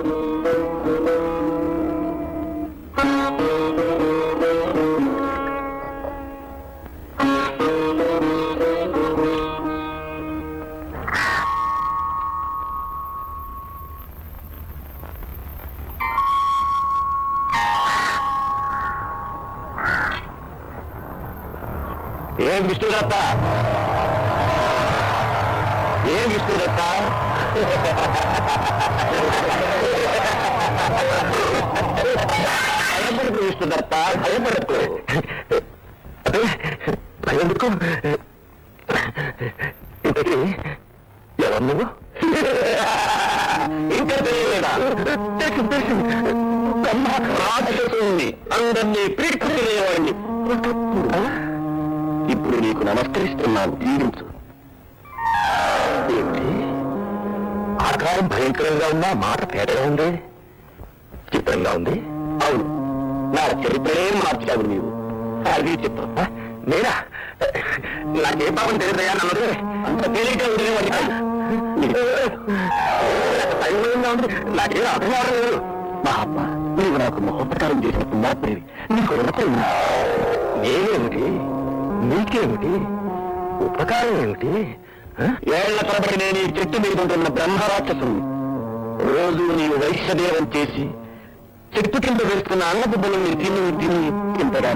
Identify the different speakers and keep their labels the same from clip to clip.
Speaker 1: ఏం విష్ణుదత్త, ఏం విష్ణుదత్త, భయపడకు విష్ణుదత్త, భయపడకు. భయపడకు. ఇంతకీ ఎవరు నువ్వు? ఇంకా తెలియలేదా? రాక్షసుని అందరినీ పీడిపోయేవాడిని. ఇప్పుడు నీకు నమస్కరిస్తున్నాను, జీవించు. ఏమిటి ఆకారం భయంకరంగా ఉన్నా మాట తేటగా ఉంది, చిత్రంగా ఉంది. అవును, నా చరిత్రనే మార్చావు నీవు. అది చిత్రం. నేనా? నాకే పాపం తెలియదయా నన్నది. అంత తేలిగ్గా ఉండేవాడి భయంగా ఉంది. నాకేం అర్థం కావడం లేదు. మా అమ్మ, నీవు నాకు మహోపకారం చేసిన పుణ్యాత్మేవి. నీకు రుణపడి నేనేమిటి, నీకేమిటి, ఉపకారం ఏమిటి? ఏళ్ల తరబడి నేను ఈ చెట్టు మీద ఉంటున్న బ్రహ్మరాక్షసుని. రోజు నీవు వైశ్యదేవం చేసి చెట్టు కింద వేస్తున్న అన్నబుబ్బలు తిని తిని ఇంతగా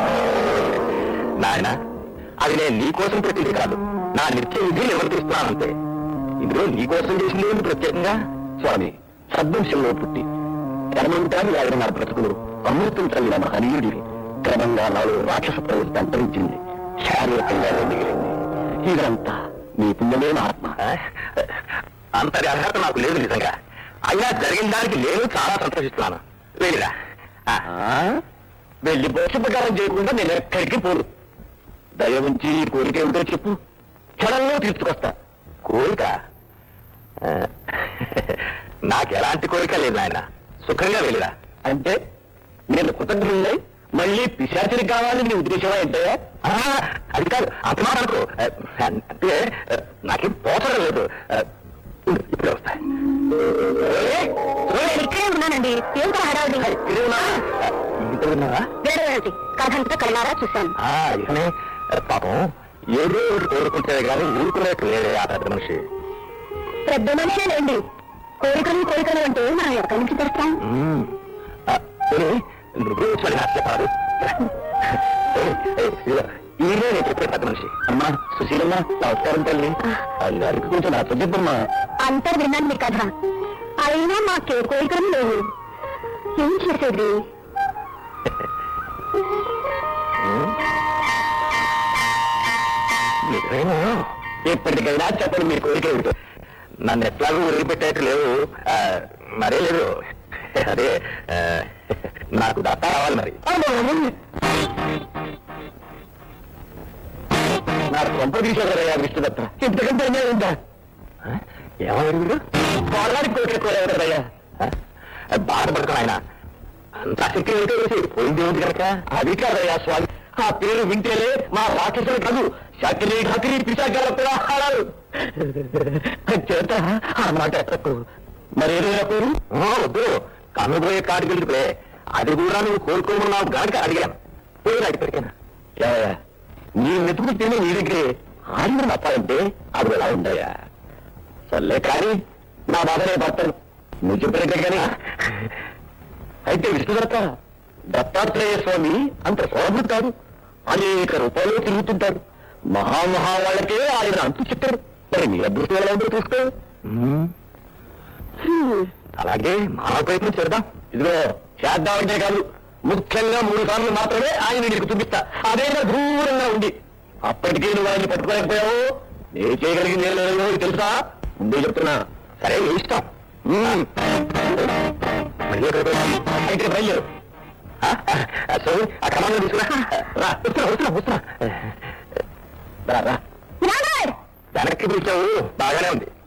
Speaker 1: నాయన, అది నేను నీకోసం పెట్టింది కాదు, నా నిత్య విధి నివర్తిస్తున్నానంతే. ఇందులో నీకోసం చేసింది ఏంటి ప్రత్యేకంగా? స్వామి, సద్వంశంలో పుట్టి ధర్మంతాన్ని ఆడిన నా బ్రతుకులు అమృతం చల్లిన మహనీయుడివి. క్రమంగా నాలో రాక్షస ప్రవృత్తి అంతరించింది, శారీరకంగా మిగిలింది. ఇదంతా నీ పుణ్యమే ఆత్మ. అంతటి అర్హత నాకు లేదు నిజంగా. అయినా జరిగిన దానికి నేను చాలా సంతోషిస్తున్నాను. వెళ్ళిరా. వెళ్ళి బోధపకారం చేయకుండా నేను ఎక్కడికి పోను. దయ ఉంచి కోరిక ఏమిటో చెప్పు, క్షణంలో తీర్చుకొస్తా. కోరిక? నాకెలాంటి కోరిక లేదు ఆయన. సుఖంగా వెళ్ళిరా. అంటే నేను కృతజ్ఞులై మళ్ళీ పిశాచిని కావాలని నీ ఉద్దేశమా ఏంటయ్యా? అది కాదు, అంతమాట అనుకో. అంటే నాకేం పోచడం లేదు. ఇప్పుడే వస్తాయి.
Speaker 2: ఇక్కడే ఉన్నానండి. ఏం హడావుడి?
Speaker 1: ఇంత విన్నావా?
Speaker 2: కథంతా కళ్ళారా చూశాను.
Speaker 1: ఇకనే పాపం ఏదో కోరుకుంటే కానీ ఊరుకునేట్టు లేదే ఆ పెద్ద మనిషి.
Speaker 2: పెద్ద మనిషేనండి. కోరికలు అంటే మనం ఎక్కడి నుంచి తెస్తాం?
Speaker 1: నువ్వు చెప్పారు. ఈయనే నేను చెప్పే పెద్ద మనిషి. అమ్మా సుశీలమ్మ, నమస్కారం తల్లి. అల్లారికి కొంచెం నాతో చెప్పమ్మా.
Speaker 2: అంతా విన్నాను మీ కథ. అయినా మాకే కోరికలు లేవు. ఏం చేసేది?
Speaker 1: ఎప్పటికైనా చెప్పండి మీ కోరిక ఏమిటో. నన్ను ఎట్లాగూ ఉరికి పెట్టేట్టు లేవు. మరే లేదు. అదే నాకు దత్త రావాలి మరి. నాకు కొంప తీసేదరయ్యా విష్ణుదత్త. ఇంతకంటే ఉందా? ఏమన్నారు మీరు? పోరానికి కోరికయ్యా. బాధపడతాను ఆయన. అంత శక్తి ఏమిటో పోయింది ఉంది కనుక. అది కాదయ్యా స్వామి, ఆ పేరు వింటేనే మా రాక్షసులు కాదు, శక్తి హకిరి పిశాచాల కూడా ఆడారు. చేత ఆ మాట ఎత్తకు. మరేదైనా పేరు? వద్దు, కనుగోయే కాడికి వెళ్తే అది కూడా నువ్వు కోరుకోమన్నావు గాడికి అడిగాను. పేరు అడిగిపోయాను. నీ వెతుకు తిని నీ దగ్గరే ఆడిన తప్పాలంటే అది ఎలా ఉందయ్యా? సర్లే కానీ నా బాధనే భర్తను నువ్వు చెప్పినట్టే కానీ. అయితే విష్ణుదత్త, దత్తాత్రేయ స్వామి అంత సోదరుడు కాదు, అనేక రూపాయలు తిరుగుతుంటారు. మహామహా వాళ్ళకే ఆయన అంతు చెప్పారు. మరి నీ అదృష్టం ఎలా ఉందో చూసుకో. అలాగే మా ప్రయత్నం చేద్దాం. ఇదిగో చేద్దామంటే కాదు, ముఖ్యంగా 3 సార్లు మాత్రమే ఆయన నీకు చూపిస్తా. అదేనా దూరంగా ఉంది. అప్పటికే నువ్వు ఆయన్ని పట్టుకోలేకపోయావు. నేను చేయగలిగింది ఏం లేదో తెలుసా? ముందే చెప్తున్నా. సరే ఇష్టం. అయితే బయలుదేరు. ఆ క్రమంలో తీసుకురా. వస్తున్నా. వెనక్కి పిలిచావు, బాగానే ఉంది.